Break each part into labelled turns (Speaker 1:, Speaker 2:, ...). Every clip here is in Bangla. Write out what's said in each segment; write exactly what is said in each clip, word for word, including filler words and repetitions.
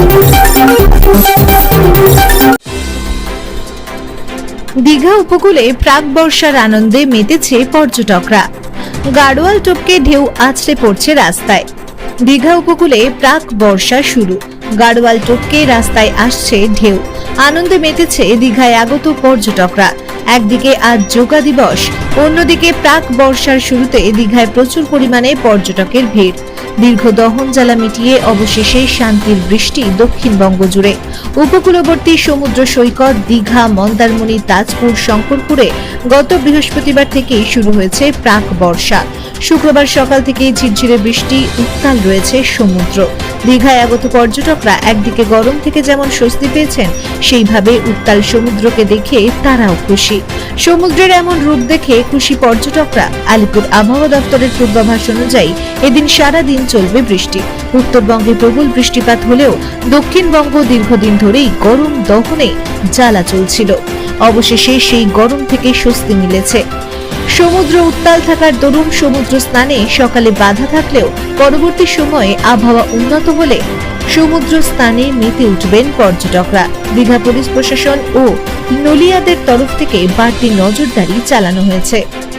Speaker 1: দীঘা উপকূলে প্রাক বর্ষার আনন্দে মেতেছে পর্যটকরা। গাড়োয়াল টপকে ঢেউ আছড়ে পড়ছে রাস্তায়। দীঘা উপকূলে প্রাক বর্ষা শুরু, গাড়োয়াল টপকে রাস্তায় আসছে ঢেউ। আনন্দে মেতেছে দীঘায় আগত পর্যটকরা। একদিকে আজ যোগা দিবস, অন্যদিকে প্রাক বর্ষার শুরুতে দীঘায় প্রচুর পরিমাণে পর্যটকের ভিড়। দীর্ঘ দহন জ্বালা মিটিয়ে অবশেষে শান্তির বৃষ্টি দক্ষিণবঙ্গ জুড়ে। উপকূলবর্তী সমুদ্র সৈকত দীঘা, মন্দারমণি, তাজপুর, শঙ্করপুরে গত বৃহস্পতিবার থেকেই শুরু হয়েছে প্রাক বর্ষা। শুক্রবার সকাল থেকে ঝিরঝিরে বৃষ্টি, উত্তাল রয়েছে সমুদ্র। দীঘায় আগত পর্যটকরা একদিকে গরম থেকে যেমন স্বস্তি পেয়েছেন, সেইভাবে উত্তাল সমুদ্রকে দেখে তারাও খুশি। সমুদ্রের এমন রূপ দেখে খুশি পর্যটকরা। আলিপুর আবহাওয়া দপ্তরের পূর্বাভাস অনুযায়ী এদিন সারা দিন চলবে বৃষ্টি। উত্তরবঙ্গে প্রবল বৃষ্টিপাত হলেও দক্ষিণবঙ্গ দীর্ঘদিন ধরেই গরম দহনে জ্বালা চলছিল। অবশেষে সেই গরম থেকে স্বস্তি মিলেছে। সমুদ্র উত্তাল থাকার দরুন সমুদ্র স্নানে সকালে বাধা থাকলেও পরবর্তী সময়ে আবহাওয়া উন্নত হলে সমুদ্র স্নানে মেতে উঠবেন পর্যটকরা। দীঘা পুলিশ প্রশাসন ও নলিয়াদের তরফ থেকে বাড়তি নজরদারি চালানো হয়েছে।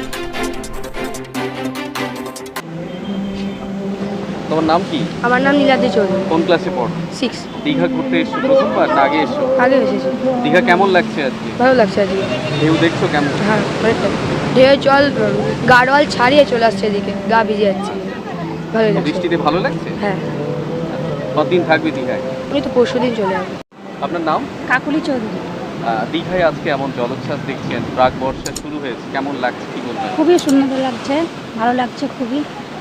Speaker 2: তোমার নাম কি?
Speaker 3: আমার নাম নীলাদ্রি চৌধুরী।
Speaker 2: কোন ক্লাসে পড়ো?
Speaker 3: সিক্স।
Speaker 2: দীঘা ঘুরতে এসছো প্রথমবার না আগে এসছো?
Speaker 3: আগে এসেছি।
Speaker 2: দীঘা কেমন লাগছে আজকে?
Speaker 3: ভালো লাগছে আজকে।
Speaker 2: ঢেউ দেখছো কেমন?
Speaker 3: হ্যাঁ, অনেকটা ঢেউ জল গাড়োয়াল ছাড়িয়ে চলে আসছে এদিকে, গা ভিজে যাচ্ছে। ভালো লাগছে।
Speaker 2: বৃষ্টিতে ভালো লাগছে?
Speaker 3: হ্যাঁ।
Speaker 2: কতদিন থাকবে দীঘায়?
Speaker 3: আমি তো পরশু দিন চলে আসবো।
Speaker 2: আপনার নাম?
Speaker 3: কাকুলি চৌধুরী।
Speaker 2: আহ, দীঘায় আজকে এমন জলোচ্ছ্বাস দেখছেন, প্রাক বর্ষা শুরু হয়েছে, কেমন লাগছে কি বলবেন?
Speaker 4: খুবই সুন্দর লাগছে, ভালো লাগছে খুবই।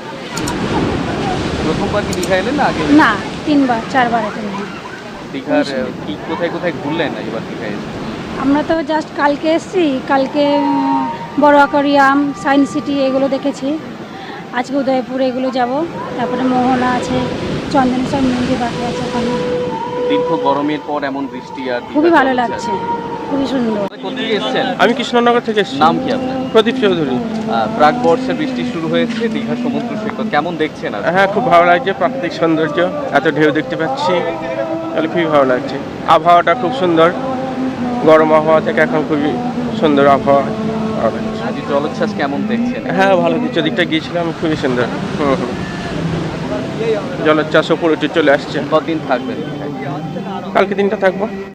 Speaker 2: প্রথমবার কি দীঘা এলেন না আগে?
Speaker 4: না, তিনবার চারবার এখানে।
Speaker 2: দীঘার আহ, কি কোথায় কোথায় ঘুরলেন এবার দীঘায় এসে?
Speaker 4: আমরা তো জাস্ট কালকে এসেছি, কালকে উম, বড় অ্যাকোয়ারিয়াম, সায়েন্স সিটি এগুলো দেখেছি। আজকে উদয়পুর এগুলো যাব, তারপরে মোহনা আছে, চন্দনেশ্বর মন্দির বাকি আছে ওখানে।
Speaker 2: দীর্ঘ গরমের পর এমন বৃষ্টি আর
Speaker 4: খুবই
Speaker 2: দীঘার
Speaker 4: ভালো
Speaker 2: জলোচ্ছ্বাস।
Speaker 4: লাগছে, খুবই সুন্দর।
Speaker 2: কোথায় এসেছেন?
Speaker 5: আমি কৃষ্ণনগর থেকে এসেছি।
Speaker 2: নাম কি আপনার?
Speaker 5: প্রদীপ চৌধুরী।
Speaker 2: আহ, প্রাক বর্ষার বৃষ্টি শুরু হয়েছে, দীঘা সমুদ্র সৈকত কেমন দেখছেন আজ?
Speaker 5: হ্যাঁ, খুব ভালো লাগছে, প্রাকৃতিক সৌন্দর্য, এত ঢেউ দেখতে পাচ্ছি, তাহলে খুবই ভালো লাগছে। আবহাওয়াটা খুব সুন্দর, গরম আবহাওয়া থেকে এখন খুবই সুন্দর আবহাওয়া। ভালো লাগছে।
Speaker 2: আজ জলোচ্ছ্বাস কেমন দেখছেন?
Speaker 5: হ্যাঁ, ভালো দিচ্ছে, দিকটা গিয়েছিলাম, খুবই সুন্দর। হুম হুম জলোচ্ছ্বাস উপরে উঠে চলে আসছে।
Speaker 2: কতদিন থাকবেন?
Speaker 5: কালকে দিনটা থাকবো।